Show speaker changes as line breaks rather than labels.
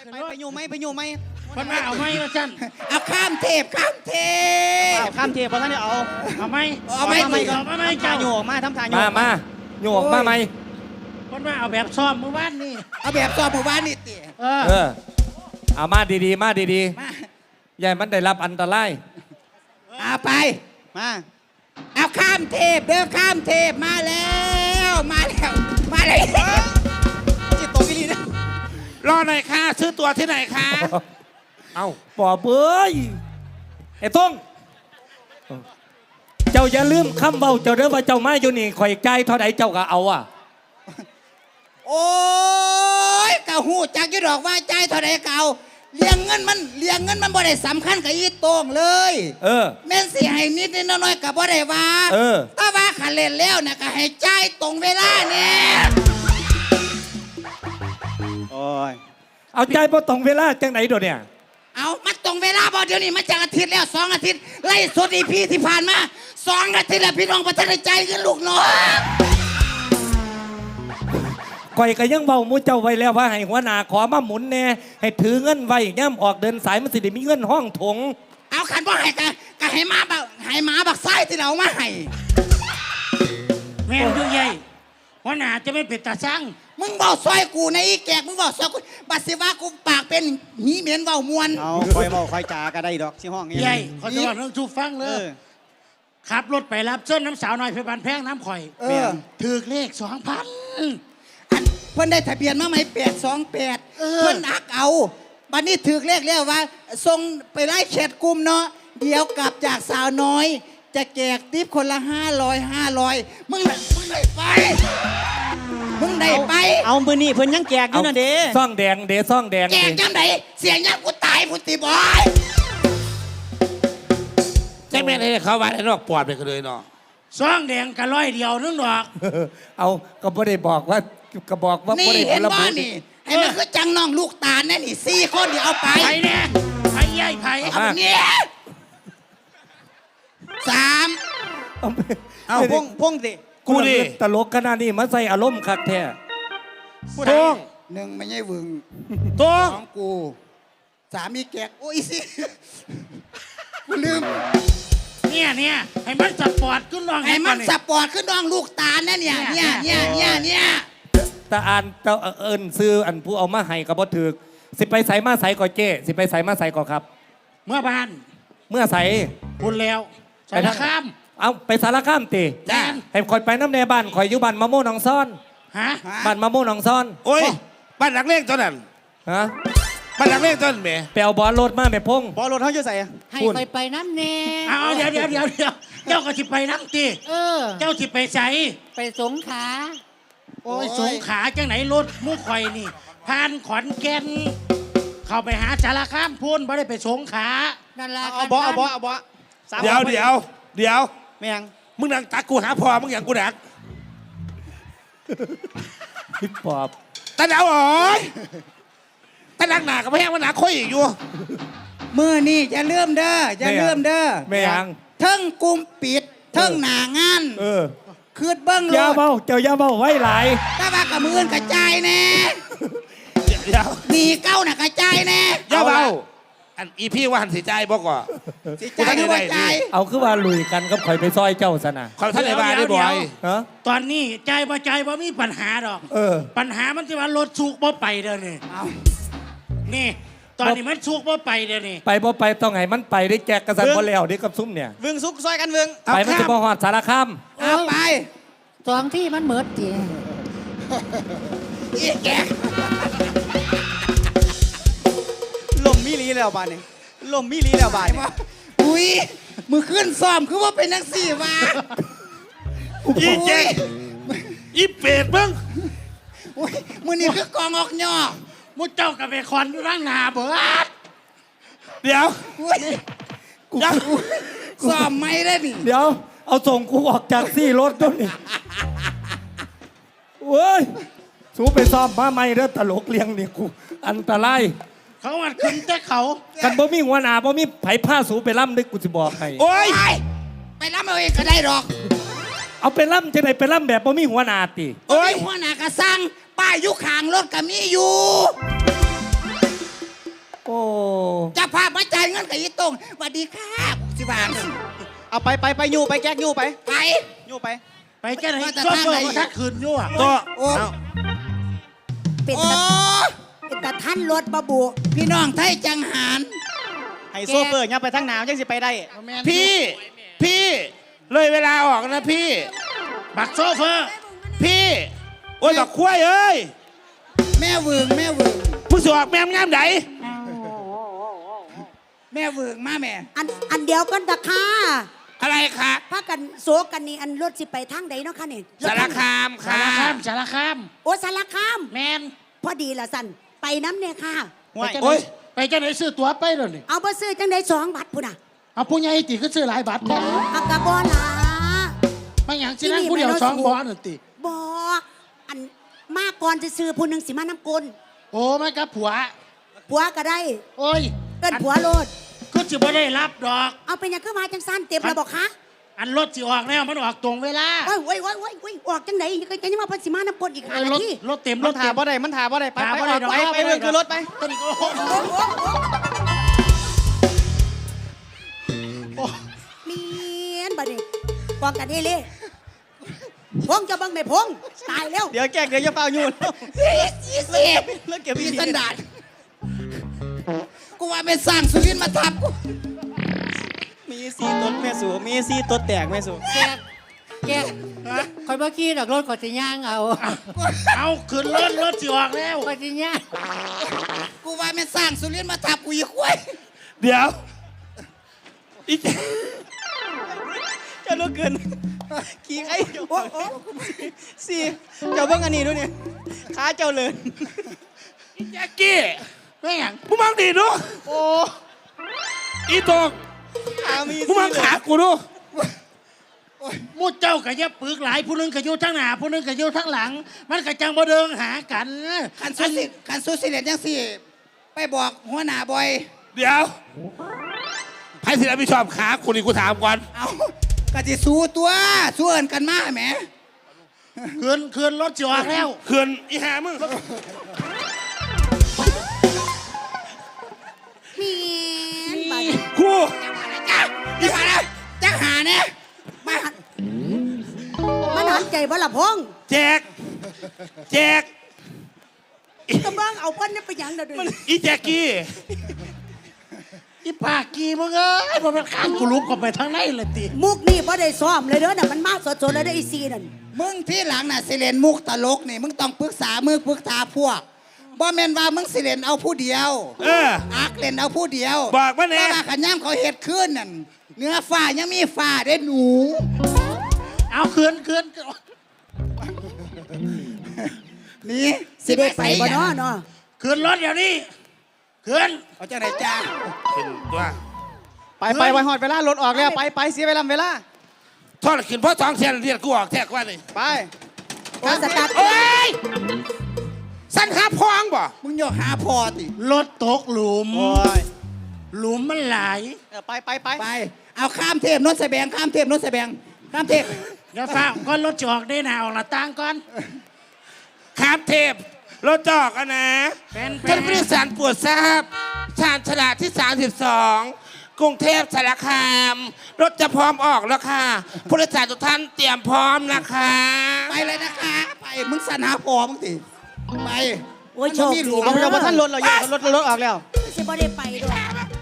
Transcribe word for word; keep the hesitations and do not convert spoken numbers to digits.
ไปไปอยู่ไหมไปอยู่ไหม
คนมาเอาไหมว่าจัน
เอาข้ามเทพข้ามเทพข้ามเทพเพราะท่านเนี่ยเอา
เอาไหม
เอาไหม
เอาไหมเอาไหมเจ้า
โยกมาทำทางโย
กมามาโยกมาไหม
คนมาเอาแบบซ้อมเมื่อวานนี่
เอาแบบซ้อมเมื่อวานนี่ติ
เออ
เออเอามาดีๆมาดีๆอย่ามันได้รับอันตราย
เอาไปมาเอาข้ามเทพเด้อข้ามเทพมาแล้วมาแล้วมาเลยจิตตกอีลีนะ
รอหน่อยค่ะซื้อตัวที่ไหนคะ
เอาปอเบ้ยไอ้ต้งเจ้าอย่าลืมคำเบาเจ้าเด้อว่าเจ้ามาอยู่นี่ข่อยใจเท่าไหร่เจ้าก็เอาอ่ะ
โอ้ยกะหูจักยี่ดอกว่าใจเท่าไหร่เก่าเลี้ยงเงินมันเลี้ยงเงินมันบ่ได้สำคัญกับอีโต้งเลย
เออ
แม่นสิให้นิดนิดน้อยๆกับบ่ได้ว่า
เออ
ถ้าว่าขันเล่นแล้วนะก็ให้ใจตรงเวลาเนี่ยโอ้ย
เอาใจพอตรงเวลาจังไหนโดเนี่ย
เอามันตรงเวลาบ่เดี๋ยวนี้มันจากอาทิตย์แล้วสองอาทิตย์ไล่สดอีพีที่ผ่านมาสองอาทิตย์แล้วพี่น้องประเทศใจกันลูกน้อง
ก่อยก็ยังเบามูเจ้าไว้แล้วว่าให้หัวหน้าขอมาหมุนแน่ให้ถือเงินไว้ย่ำออกเดินสายมันสิได้มีเงินห้องถง
เอาขันบ่ให้กะกะให้มาบักให้มาบักไส้ที่เรามาให้
แม่ยุ่งใหญ่หัวหน้าจะไม่เป็นตาช่าง
มึงบอกซอยกูในอีแกกมึงบอกซอยกูบัดสิว่ากูปากเป็นหีเหม็นเว้ามวน
เอาคอยบอกคอยจาก็ได้ดอกที่ห้อง
ใหญ่เขาจะบอกเรื่องชูฟังเลยขับรถไปรับเส้นน้ำสาวน้อยเพชรบานแพงน้ำข่อยถือเลขสองพัน
เพิ่นได้ทะเบียนมาไหมแปดสองแปดเพิ่นอักเอาบัดนี้ถือเลขแล้วว่าส่งไปไล่แชทกลุ่มเนาะเดี๋ยวกลับจากสาวน้อยจะแจกทิปคนละห้าร้อยห้าร้อยมึงมึงได้ไปมึงได้ไป
เอามือนี่เพิ่นยังแจกอยู่น่ะเด้
ซ่องแดงเด้ซ่องแดง
แจกจังไดเสียงยังกูตายพุติบอย
ใช่ไหมเลยเขาว่าไอ้นอกปอดไปกันเลยเนาะ
ซ่องแดงกะร้อยเดียวนึงดอก
เอาก็บ่ได้บอกว่าก็บอกว่า
นี่เห็นบ่นี่ให้มันคือจังน้องลูกตาลนั่นนี่สี่คนเดี๋ยวเอาไป
ไผ่เนี่ยไผ่ใหญ่ไผ่
เอาเนี่ยสาม
เอาพงพงสิ
กูดิตลกขนาดนี้มาใส่อารมณ์คักแท้
ต้ง
หนึ่งไม่ใช่วึง
ต้ง
สองกูสามมีแกกโอ้ยสิกูลืม
เนี่ยเนี่ยให้มันสปอร์ตขึ้นน้อง
ให้มันสปอร์ตขึ้นน้องลูกตาเนี่ยเนี่ยเนี่ยเนี่ยเนี่ยเนี่ย
ตาอ่านตาเอิญซื้ออันผู้เอามาให้กับบ่ถึกสิไปใส่มาใส่ก่อเจ้สิไปใส่มาใส่ก่อครับ
เมื่อบ้าน
เมื่อใส่
คุณแล้วสารคาม
เอาไปสารคามตีให้คอยไปน้ำในบ้านคอยอยู่บ้านมะม่วงหนองซ่อน
ฮะ
บ้านมะม่วงหนองซ่อน
โอ้ยบ้านหลังเล่งตอนนั้น
ฮะ
บ้านหลังเล่งตอนนั้นแม่
ไปเอาบอลรถมาแม่พง
บอลรถเขาจะใส่
ให้คอยไปน้ำแน่
เอาเดี๋ยวเดี๋ยวเดี๋ยวเดี๋ยวเจ้าก็จิไปน้ำตี
เออ
เจ้าจิไปใส่
ไปสงขา
โอ้ยสงขาจังไหนรถมุกข่อยนี่ผ่านขอนแก่นเข้าไปหาสารคามพูนไม่ได้ไปสงขา
นั่นละ
เอาบอเอาบอเอาบอ
เดี๋ยวเดี๋ยวเดี๋ยว
ไม่ยัง
มึงนั่งตักกูหาพอมึงอย่างกูดัก
ฮิปฮอป
ตาดาวอ๋อยตาดังหนากับแพงมันหนาค่อยอีกอยู่
มือนี่จะเลื่อมเด้อจะเลื่อมเด้อ
ไม่ยัง
เทิงกุมปิดเทิงหนางาน
เออ
คืดเบิ้งเลย
ยาเบาเจ้ายาเบาไว้หลาย
ถ้าว่ากับมือกระจายแน่
เดี๋ยว
หนีเก้าน่ะกระจายแน่
ยาเบาอันอีพี่ว่าหันสีใจบอกว่า
สีใจหรือว่าใจ
เอาคือว่าลุยกันก็คอยไปซอยเจ้าซะนะ
คอยท่านในบ้านได้บ่อย
ตอนนี้ใจบ่ใจบ่มีปัญหาดอก
เออ
ปัญหามันที่ว่ารถสุกบ่ไปเด้อนี่นี่ตอนนี้มันสุกบ่ไปเด้อนี่
ไปบ่ไปต้องให้มันไปได้แจกกระสันบ่แล้วนี่กับซุ้มเนี่ย
วึงสุกซอยกันวึง
ไปมันจะบ่ฮอดสารคาม
เอาไป
สองที่มันเหมือดจี
อีแก
ลมมิลีแล้วบ้านนี่ลมมิลีแล้วบ้านนี่
อุ้ยมือขึ้นซ้อมคือว่าเป็นนักสี่วะ
อีเจ๊อีเป็ดมึง
อุ้ยมือนี่คือกองออกย่อ
มุเจ้ากับเบคอนอยู่ร่างนาเบิด
เดี๋ยว
กูซ้อมไม่ได้นี่
เดี๋ยวเอาส่งกูออกจากซี่รถด้วยนี่เว้ยสูไปซ้อมมาไม่เด้อตลกเลี้ยงนี่กูอันตราย
เขาอัดขึ้นแต่เขา
กันบ่มีหัวหน้าบ่มีไผผ้าสูไปล่ำด้วยกูจะบอกให้
โอ้ย
ไปล่ำเอาเองก็ได้หรอก
เอาไปล่ำจะไหนไปล่ำแบบบ่มีหัวหน้าติ
โอ้ยหัวหน้ากระซังป้ายยุคางรถก็มีอยู่กันกับอีตรงสวัสดีค่ะสิบาง
เอาไปไปไปอยู่ไปแก๊กอยู่ไป
ไป
อยู่ไป
ไปแค่ไหน
ว่าแต่
โชเฟอ
ทางไหน
ร์มาทักคืนยั่ว
ตัว
โอ้
เอา
เป็น
โอ้
ตะเป็นตะท่านรถบะบุ
พี่น้องไทยจังหาร
ให้โซเฟอร์เนี่ยไปทางหนาวจังสิไปได้
พี่ พี่เลยเวลาออกนะพี่
บักโชเฟอร์
พี่ โอ้ยบักคุ้ยเอ้ย
แม่เวืองแม่เวือง
ผู้สวกแม่มงามไหน
แม่เวืองมาแม่
อันอันเดียวกันตะค่ะ
อะไรคะ
พากันโศกันนี่อันรถสิไปทางใดเนาะคะนี่
สารคาม
สา
ค่ะ
รคามสารคาม
โอ้สารคาม
แมน
พอดีละสันไปน้ำเนี่ยค่ะ
ห่วย
ไปจัง
โอ้
ไหน
ย
ไปจังไหนซื้อตั๋วไปเลยนี่
เอาไปซื้อจังไดสองบัตรพุ่นอ่ะ
เอาผู้ใหญ่ติก็ซื้อหลายบัตรแท้
อากาบอลา
ไม่อย่างสินั่งผู้เดียวสองบอลนั่นติ
บออันมาก่อนจะซื้อผู้หนึ่งสิมาน้ำกล
โอ้ไม่กับผัว
ผัวก็ได้
โอ้ย
เอินผัวโลด
ก็จะไม่ได้รับดอก
เอาเป็นหยังคือมาจังสั้นเต็มแล้วบอกคะ
อันรถสิออกแล้วมันออกตรงเวลา
โอ้ยโอ้ยโอ้ยโอ้ยโอ้ยออกจังไหนยังยังมาเพันสิมาน้ำกลอีกหา
เออ
นาร
ถ
ที
รถเต็มร
ร
ถ
ถ
เต็
ถาม บ่ได้มันถาบ่ได้ไป
ถาม
ไป
บ่ได้ดอก
ไปไปเรื่องคือรถไป
ตอนนี้ก็โอ้โห
โอ้โหโอ้โห
โอ้
เมียนบัดนี้กองกันเฮเล่พงจะบังไม่พงตายแล้ว
เดี๋ยวแก๊กเดี๋ยวจะเฝ้าอยู่แล้ว
ยี่สิบ
แล้วเก็บ
มี
อีก
สันดานกูว่าเป็นสร้างสุรินทร์มาทับกู
มีซีตดแม่สูมีซีตดแตกแม่สู
แกแกคอยเมื่อกี้ดอกรถก่อนจะย่างเอา
เอาขึ้นรถรถสิออกแล้ว
ก่อนจะย่าง
กูว่าเป็นสร้างสุรินทร์มาทับกูอีกควาย
เดี๋ยวอี
เจ้าลูกเกินขี้ไอ้โอ้โอ้ซีเจ้าเบิ่งอันนี้ดูเนี่ยขาเจ้าเลย
แจ็กกี้
แม่ง
มึงมองดีดู
โอ้
อีตรง
ขามี
มึงมองขากูดู
มูเจ้ากับยะปึกหลายผู้หนึงก็อยู่ทั้งหน้าผู้หนึงก็อยู่ทั้งหลัง มันก็จังบ่เดิงหากัน
คันสุสิคันสุสิเลนจังสี่ ไปบอกหัวหน้าบอย
เดี๋ยวใครสิรับผิดชอบขากูนี่กูถามก่อน
เอากะจิสู้ตัวสู้เอินกันมาแหม
ขึ้นขึ้นรถสิออกแล้ว
เขื่อนอีหามึง
เมียนบัดนี้
ครู
จ้าที่ผ่านนะจ้าหาเนี่ยมา
มันหันใจบ่ละพง
แจกแจก
กำลังเอาเพิ่นนี่ไปหยังเด้อดู
อีแจ็กกี้
อีปากกีมึงเอ้ยมันเป็นข้างกูลุกเข้าไปทางไหนเลยติ
มุกนี่บ่ได้ซ้อมเลยเด้อน่ะมันมาสดๆเลยเด้อไอ้ซีนั่น
มึงที่หลังน่ะสิเลนมุกตลกนี่มึงต้องปรึกษามือปรึกษาพวกบ่แม่นว่ามึงสิเลนเอาผู้เดียว
เออ
อักเล่นเอาผู้เดียว
บอกมาแน่
แต่ว่าขันย่ำเขาเห็ดขึ้นนั่นเนื้อฟ้ายังมีฟ้าได้หนู
เอาขึ้นขึ้น
นี่
สิได้ไปบ่เนาะเนาะ
ขึ้นรถเดี๋ยวนี้ขึ้น
เอาจังไหนจ้า
ขึ้นตัว
ไปไปไปหอดเวลารถออกแล้วไปไปเสียเวลาเวลา
ทอดขึ้นเพราะสองเสียนเรียนกูออกแทกว่านี่
ไป
โอ้สตาร์ท
โอ้ยสั้นหาพองบ่
มึงโยกหาพอติ
รถตกหลุม
โอ้ย
หลุมมันไหล
เออไปไปไป
ไป เอาข้ามเทพนนทแสบงข้ามเทพนนทแสบงข้ามเทพ
เดี๋ยวฟ้าก้อนรถจะออกได้หนาออกหน้าต่างก่อน
ครับเทพรถจอกอะนะ
เป็นเป็
ท่าน นผู้โดยสารโปวดทราบชานฉลาดที่ สามสิบสอง กรุงเทพสารคาม รถจะพร้อมออกแล้วค่ะผู้โดยสารทุกท่านเตรียมพร้อมนะคะ
ไปเลยนะคะ ไปมึงสันหาพอมึงติไป
โอ้ยโชค
มันมีห
ดี
ลุม
เอาเราพอท่านรถเราเยอะรถรถออกแล้ว
สิบ่ได้ไปด้วย